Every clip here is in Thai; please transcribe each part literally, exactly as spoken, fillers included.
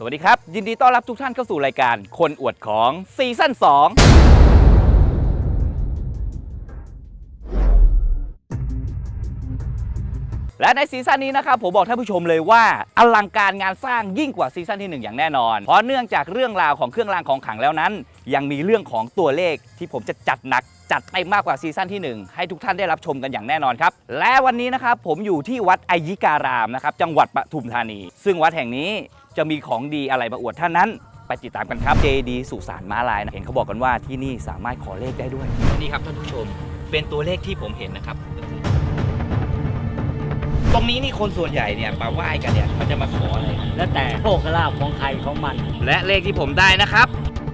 วัสดีครับยินดีต้อนรับทุกท่านเข้าสู่รายการคนอวดของซีซั่นสองและในซีซั่นนี้นะครับผมบอกท่านผู้ชมเลยว่าอลังการงานสร้างยิ่งกว่าซีซั่นที่หนึ่งอย่างแน่นอนเพราะเนื่องจากเรื่องราวของเครื่องรางของขลังแล้วนั้นยังมีเรื่องของตัวเลขที่ผมจะจัดหนักจัดเต็มมากกว่าซีซั่นที่หนึ่งให้ทุกท่านได้รับชมกันอย่างแน่นอนครับและวันนี้นะครับผมอยู่ที่วัดไอยิการามนะครับจังหวัดปทุมธานีซึ่งวัดแห่งนี้จะมีของดีอะไรมาอวดท่านนั้นไปติดตามกันครับเจดีย์สุสานม้าลายนะเห็นเขาบอกกันว่าที่นี่สามารถขอเลขได้ด้วยนี่ครับท่านผู้ชมเป็นตัวเลขที่ผมเห็นนะครับตรงนี้นี่คนส่วนใหญ่เนี่ยมาไหว้กันเนี่ยเขาจะมาขออะไรแล้วแต่โชคลาภของใครของมันและเลขที่ผมได้นะครับ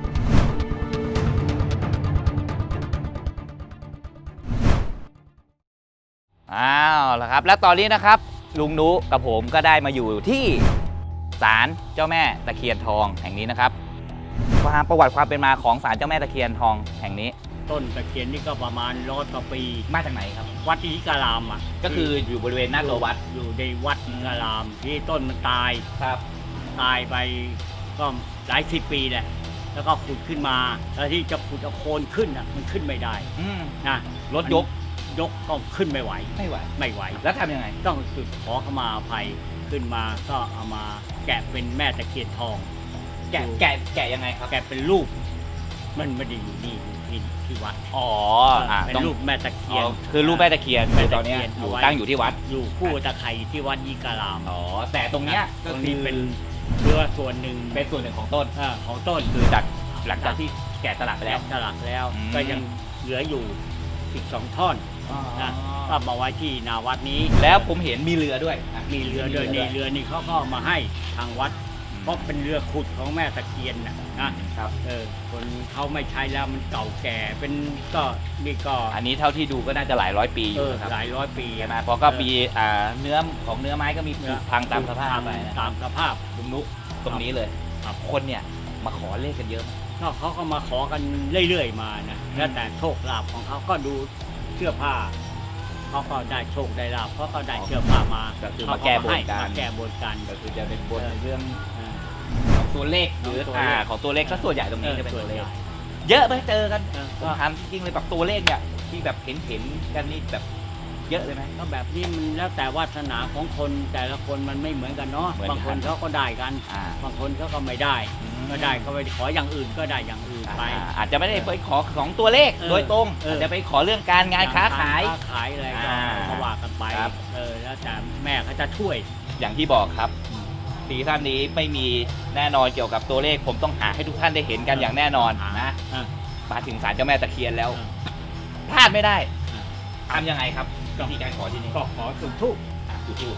อ้าวแล้วครับและตอนนี้นะครับลุงนุกับผมก็ได้มาอยู่ที่ศาลเจ้าแม่ตะเคียนทองแห่งนี้นะครับความประวัติความเป็นมาของศาลเจ้าแม่ตะเคียนทองแห่งนี้ต้นตะเคียนนี่ก็ประมาณร้อยกว่าปีมาจากไหนครับวัดอิทิการามอ่ะก็คืออยู่บริเวณหน้าตัววัดอยู่ในวัดอิทิการามที่ต้นมันตายครับตายไปก็หลายสิบปีแหละแล้วก็ขุดขึ้นมาแล้วที่จะขุดเอาโคนขึ้นอ่ะมันขึ้นไม่ได้นะรถยกยกก็ขึ้นไม่ไหวไม่ไหวไม่ไหวแล้วทำยังไงต้องจุดขอขมาอภัยขึ้นมาก็เอามาแกะเป็นแม่ตะเคียนทองแกะแกะแกะยังไงครับแกะเป็นรูปมันไม่ได้อยู่นี่ที่ที่วัดอ๋อเป็นรูปแม่ตะเคียนคือรูปแม่ตะเคียนคือตอนนี้อยู่ตั้งอยู่ที่วัดอยู่คู่ตะไคร่ที่วัดยิการามอ๋อแต่ตรงเนี้ยตรงนี้เป็นเรือส่วนหนึ่งเป็นส่วนหนึ่งของต้นของต้นคือจากหลังจากที่แกะสลักไปแล้วสลักแล้วก็ยังเหลืออยู่อีกสองท่อนนะก็มาไว้ที่นาวัดนี้แล้วผมเห็นมีเรือด้วยมีเรือด้วยนี่เรือนี่เขาก็มาให้ทางวัดเพราะเป็นเรือขุดของแม่ตะเคียนนะนะครับเออคนเขาไม่ใช้แล้วมันเก่าแก่เป็นก็นี่ก็อันนี้เท่าที่ดูก็น่าจะหลายร้อยปีอยู่ครับหลายร้อยปีนะเพราะก็มีเนื้อของเนื้อไม้ก็มีผุพังตามสภาพไปตามสภาพลุงนุตรงนี้เลยคนเนี่ยมาขอเลขกันเยอะก็เขาก็มาขอกันเรื่อยๆมานะแล้วแต่โชคลาภของเขาก็ดูเสื้อผ้าเขาก็ได้โชคได้ลาภเขาก็ได้เสื้อผ้ามาก็คือมาแก้บนกันมาแก้บนกันก็คือจะเป็นบนเรื่องตัวเลขหรืออ่าของตัวเลขก็ส่วนใหญ่ตรงนี้จะเป็นตัวเลขเยอะไหมเจอกันผมถามจริงเลยแบบตัวเลขเนี่ยที่แบบเห็นเห็นกันนี่แบบเยอะเลยไหมก็แบบนี้มันแล้วแต่วาสนาของคนแต่ละคนมันไม่เหมือนกันเนาะบางคนเขาก็ได้กันบางคนเขาก็ไม่ได้ก็ได้ก็ไปขออย่างอื่นก็ได้อย่างอื่นไปอาจจะไม่ได้ไปขอของตัวเลขโดยตรงอาจจะไปขอเรื่องการงานค้าขายค้าขายอะไรก็ว่ากันไปเออแล้วแต่แม่เขาจะช่วยอย่างที่บอกครับซีซั่นนี้ไม่มีแน่นอนเกี่ยวกับตัวเลขผมต้องหาให้ทุกท่านได้เห็นกันอย่างแน่นอนนะมาถึงศาลเจ้าแม่ตะเคียนแล้วพลาดไม่ได้ทำยังไงครับวิธีการขอที่นี่ก็ขอจุดธูปจุดธูป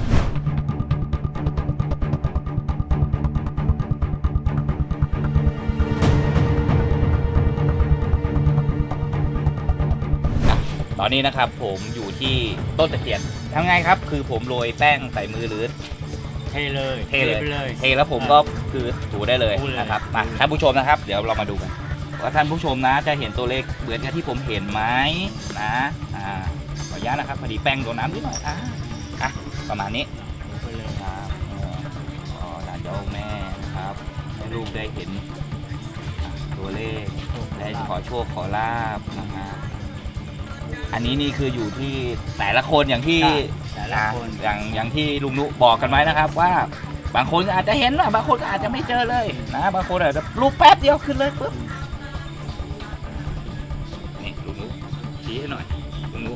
ตอนนี้นะครับผมอยู่ที่ต้นตะเคียนทำไงครับคือผมโรยแป้งใส่มือหรือเทเลยเทเลยเทแล้วผมก็คือถูได้เลยนะครับมาท่านผู้ชมนะครับเดี๋ยวเรามาดูกันว่าท่านผู้ชมนะจะเห็นตัวเลขเหมือนกับที่ผมเห็นไหมนะอ่าขออนุญาตนะครับพอดีแป้งโดนน้ำนิดหน่อยอ่ะอ่ะประมาณนี้ครับอ๋อหลานเจ้าแม่นะครับให้ลูกได้เห็นตัวเลขได้ขอโชคขอลาบนะฮะอันนี้นี่คืออยู่ที่แต่ละคนอย่างที่อย่างอย่างที่ลุงนุบอกกันไว้นะครับว่าบางคนอาจจะเห็นนะบางคนก็อาจจะไม่เจอเลยนะบางคนอาจจะรูปแป๊บเดียวขึ้นเลยปุ๊บนี่ลุงนุชี้ให้หน่อยลุงนุ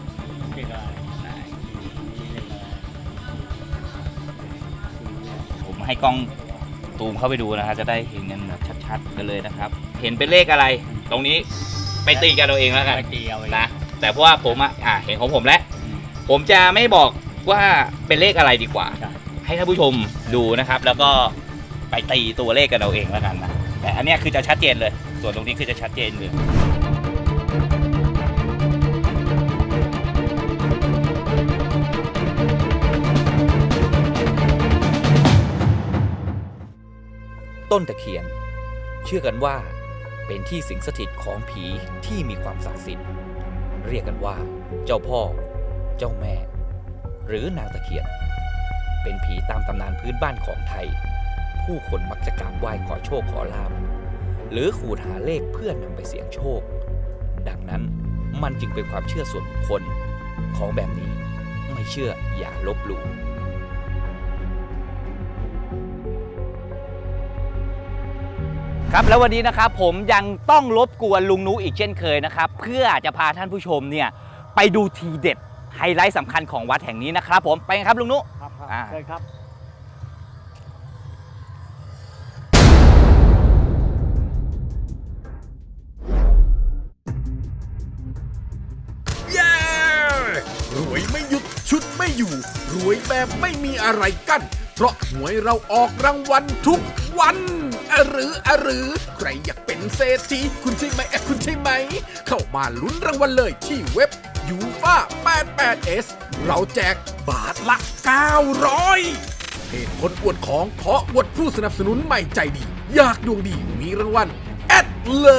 ผมให้กล้องตูมเข้าไปดูนะครับจะได้เห็นกันแบบชัดๆกันเลยนะครับเห็นเป็นเลขอะไรตรงนี้ไปตีกันเราเองแล้วกันนะแต่เพราะว่าผมอ่ะเห็นของผมแล้วผมจะไม่บอกว่าเป็นเลขอะไรดีกว่าให้ท่านผู้ชมดูนะครับแล้วก็ไปตีตัวเลขกันเราเองแล้วกันนะแต่อันนี้คือจะชัดเจนเลยส่วนตรงนี้คือจะชัดเจนเลยต้นตะเคียนเชื่อกันว่าเป็นที่สิงสถิตของผีที่มีความศักดิ์สิทธิ์เรียกกันว่าเจ้าพ่อเจ้าแม่หรือนางตะเคียนเป็นผีตามตำนานพื้นบ้านของไทยผผู้คนมักจะกราบไหว้ขอโชคขอลาภหรือขูดหาเลขเพื่อนำไปเสี่ยงโชคดังนั้นมันจึงเป็นความเชื่อส่วนบุคคลของแบบนี้ไม่เชื่ออย่าลบหลู่ครับแล้ววันนี้นะครับผมยังต้องรบกวนลุงนุอีกเช่นเคยนะครับเพื่อจะพาท่านผู้ชมเนี่ยไปดูทีเด็ดไฮไลท์สำคัญของวัดแห่งนี้นะครับผมไปกันครับลุงนุครับอ่าเชิญครับเย้รวยไม่หยุดชุดไม่อยู่รวยแบบไม่มีอะไรกั้นเพราะหวยเราออกรางวัลทุกวันอะหรืออะหรือใครอยากเป็นเศรษฐีคุณใช่ไหมแอะคุณใช่ไหมเข้ามาลุ้นรางวัลเลยที่เว็บ ยูฟ่า แปดแปดเอส เราแจกบาทละ เก้าร้อยเพจคนอวดของขออวดผู้สนับสนุนใหม่ใจดี อยากดวงดีมีรางวัลแอดเลย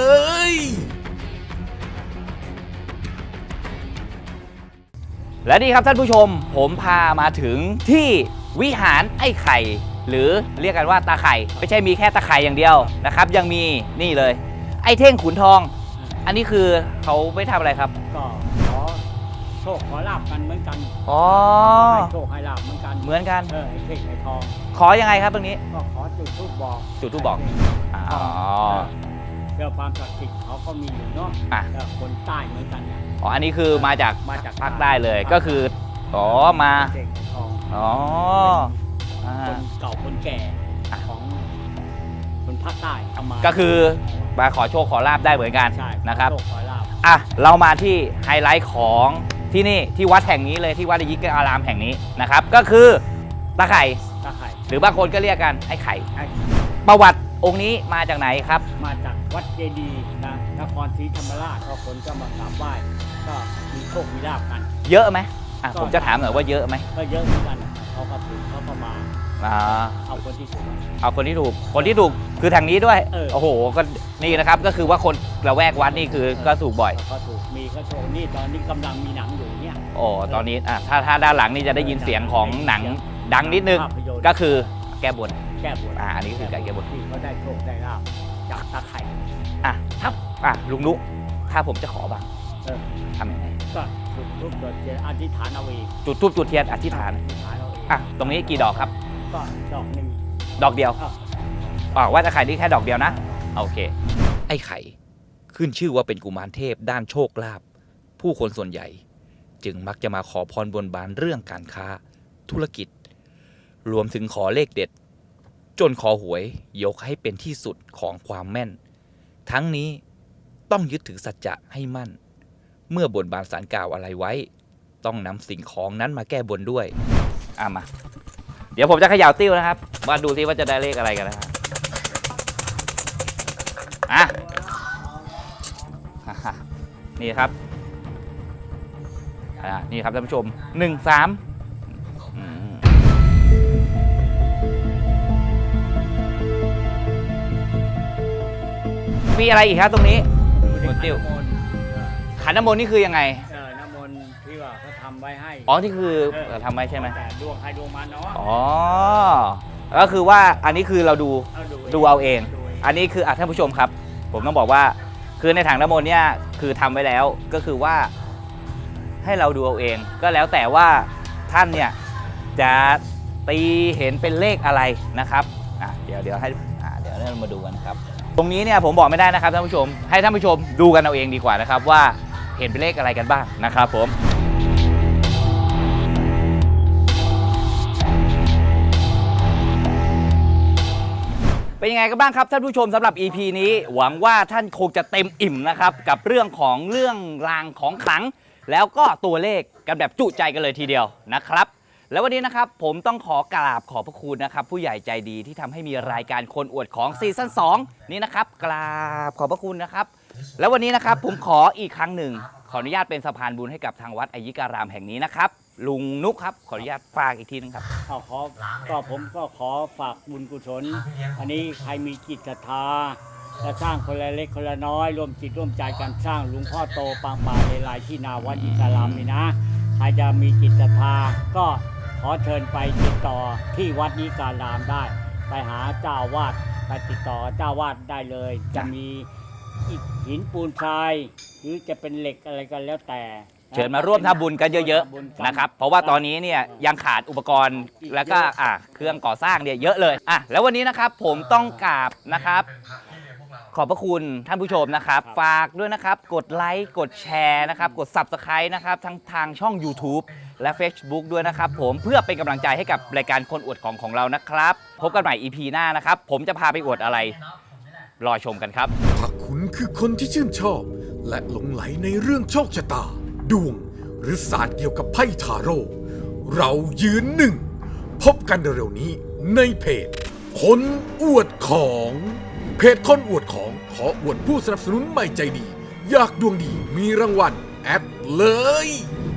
และนี่ครับท่านผู้ชมผมพามาถึงที่วิหารไอ้ไข่หรือเรียกกันว่าตาไข่ไม่ใช่มีแค่ตาไข่อย่างเดียวนะครับยังมีนี่เลยไอ้เท่งขุนทองอันนี้คือเขาไม่ทำอะไรครับก็ขอโชคขอลาบกันเหมือนกันอ๋อให้โชคให้ลาบเหมือนกันเหมือนกันเออไอ้เท่งไอ้ทองขอยังไงครับตรงนี้ก็ขอจุดธูปบอกจุดธูปบอก อ๋อเพื่อความศักดิ์สิทธิ์เขาก็มีอยู่เนาะอ่ะเออคนใต้เหมือนกันเนี่ยอ๋ออันนี้คือมาจากมาจากภาคใต้เลยก็คืออ๋อมาเท่งไอ้ทองอ๋ออ่าคนเก่าคนแก่ของคนภาคใต้เอามาก็คือมาขอโชคขอลาบได้เหมือนกันใช่นะครับขอโชคขอลาบอ่ะเรามาที่ไฮไลท์ของที่นี่ที่วัดแห่งนี้เลยที่วัดยิกอารามแห่งนี้นะครับก็คือตาไข่ตาไข่หรือบางคนก็เรียกกันไอ้ไข่ไอ้ประวัติองค์นี้มาจากไหนครับมาจากวัดเจดีย์นะนครศรีธรรมราชก็คนก็มากราบไหว้ก็มีโชคมีลาบกันเยอะไหมอ่ะก็ผมจะถามหน่อยว่าเยอะไหมก็เยอะเหมือนกันนะเขาก็ถือเขาก็มาอ่าเอาคนที่ถูกเอาคนที่ถูกคนที่ถูกคือทางนี้ด้วยเออโอ้โหก็นี่นะครับก็คือว่าคนละแวกวัดนี่คือก็ถูกบ่อยเขาถูกมีก็โชคนี่ตอนนี้กำลังมีหนังอยู่เนี่ยโอ้ตอนนี้อ่ะถ้าถ้าด้านหลังนี่จะได้ยินเสียงของหนังดังนิดนึงภาพยนตร์ก็คือแก้บนแก้บนอ่าอันนี้คือการแก้บนที่เขาได้โชคได้ลาบจากตาไข่อ่ะถ้าอ่ะลุงนุถ้าผมจะขอบ้างเออทำยังไงก็จุดทุกจุดเทียนอธิษฐานเอาเองจุดทูบจุดเทียนอธิษฐานอธิษฐานเอาเองอ่ะตรงนี้กี่ดอกครับก็ดอกหนึ่งดอกเดียวอ้าวอ๋อว่าจะไข่นี่แค่ดอกเดียวนะโอเค ไอ้ไข่ขึ้นชื่อว่าเป็นกุมารเทพด้านโชคลาภผู้คนส่วนใหญ่ จึงมักจะมาขอพรบนบานเรื่องการค้า ธุรกิจ รวมถึงขอเลขเด็ด จนขอหวยยกให้เป็นที่สุดของความแม่น ทั้งนี้ต้องยึดถือสัจจะให้มั่น เมื่อบนบานสารกล่าวอะไรไว้ ต้องนำสิ่งของนั้นมาแก้บนด้วยอ่ะมา เดี๋ยวผมจะเขย่าติ้วนะครับมาดูซิว่าจะได้เลขอะไรกันนะครับอ่ะ นี่ครับอ่านี่ครับท่านผู้ชมหนึ่งสามมีอะไรอีกครับตรงนี้ดูในติ้วขันน้ำมนต์ขันน้ำมนต์นี่คือยังไงเออน้ำมนต์ที่ว่าเขาทำไว้ให้อ๋อที่คือเออทำไว้ใช่ไหมแต่ดวงใครดวงมันเนาะอ๋อก็คือว่าอันนี้คือเราดูเอาดูดูเอาเองดูเองอันนี้คืออ่ะท่านผู้ชมครับ ผมต้องบอกว่าคือในถังน้ำมนต์เนี่ยคือทำไว้แล้วก็คือว่าให้เราดูเอาเอง ก็แล้วแต่ว่าท่านเนี่ยจะตีเห็นเป็นเลขอะไรนะครับอ่ะเดี๋ยวเดี๋ยวให้อ่ะเดี๋ยวเรามาดูกันครับ ตรงนี้เนี่ยผมบอกไม่ได้นะครับท่านผู้ชมให้ท่านผู้ชมดูกันเอาเองดีกว่านะครับว่าเห็นเป็นเลขอะไรกันบ้างนะครับผมเป็นยังไงกันบ้างครับท่านผู้ชมสำหรับ อี พี นี้หวังว่าท่านคงจะเต็มอิ่มนะครับกับเรื่องของเรื่องรางของขลัง แล้วก็ตัวเลขกันแบบจุใจกันเลยทีเดียวนะครับแล้ววันนี้นะครับผมต้องขอกราบขอบพระคุณนะครับผู้ใหญ่ใจดีที่ทำให้มีรายการคนอวดของซีซั่นสองนี้นะครับกราบขอบพระคุณนะครับแล้ววันนี้นะครับผมขออีกครั้งหนึ่งขออนุญาตเป็นสะพานบุญให้กับทางวัดอยิการามแห่งนี้นะครับลุงนุกครับขออนุญาตฝากอีกทีนึงครับเอาขอก็ผมก็ขอฝากบุญกุศลอันนี้ใครมีจิตศรัทธาจะสร้างคนละเล็กคนละน้อยร่วมจิตร่วมใจกันสร้างหลวงพ่อโตปางป่าเลไลที่นาวัดอิสลามนี่นะใครจะมีจิตศรัทธาก็ขอเชิญไปติดต่อที่วัดนิการามได้ไปหาเจ้าอาวาดไปติดต่อกับเจ้าอาวาดได้เลย จะมีอิฐหินปูนทรายหรือจะเป็นเหล็กอะไรก็แล้วแต่เชิญมาร่วมทำบุญกันเยอะๆนะครับเพราะว่าตอนนี้เนี่ยยังขาดอุปกรณ์แล้วก็อ่ะเครื่องก่อสร้างเนี่ยเยอะเลยอ่ะแล้ววันนี้นะครับผมต้องกราบนะครับขอบพระคุณท่านผู้ชมนะครับฝากด้วยนะครับกดไลค์กดแชร์นะครับกด ซับสไครบ์ นะครับทั้งทางช่อง ยูทูบ และ เฟซบุ๊ก ด้วยนะครับผมเพื่อเป็นกำลังใจให้กับรายการคนอวดของของเรานะครับพบกันใหม่ อี พี หน้านะครับผมจะพาไปอวดอะไรรอชมกันครับถ้าคุณคือคนที่ชื่นชอบ และหลงไหลในเรื่องโชคชะตา ดวง หรือศาสตร์เกี่ยวกับไพ่ทาโร่เรายืนหนึ่ง พบกันเร็วๆนี้ในเพจ คนอวดของ เพจคนอวดของขออวดผู้สนับสนุนใหม่ใจดี อยากดวงดีมีรางวัลแอดเลย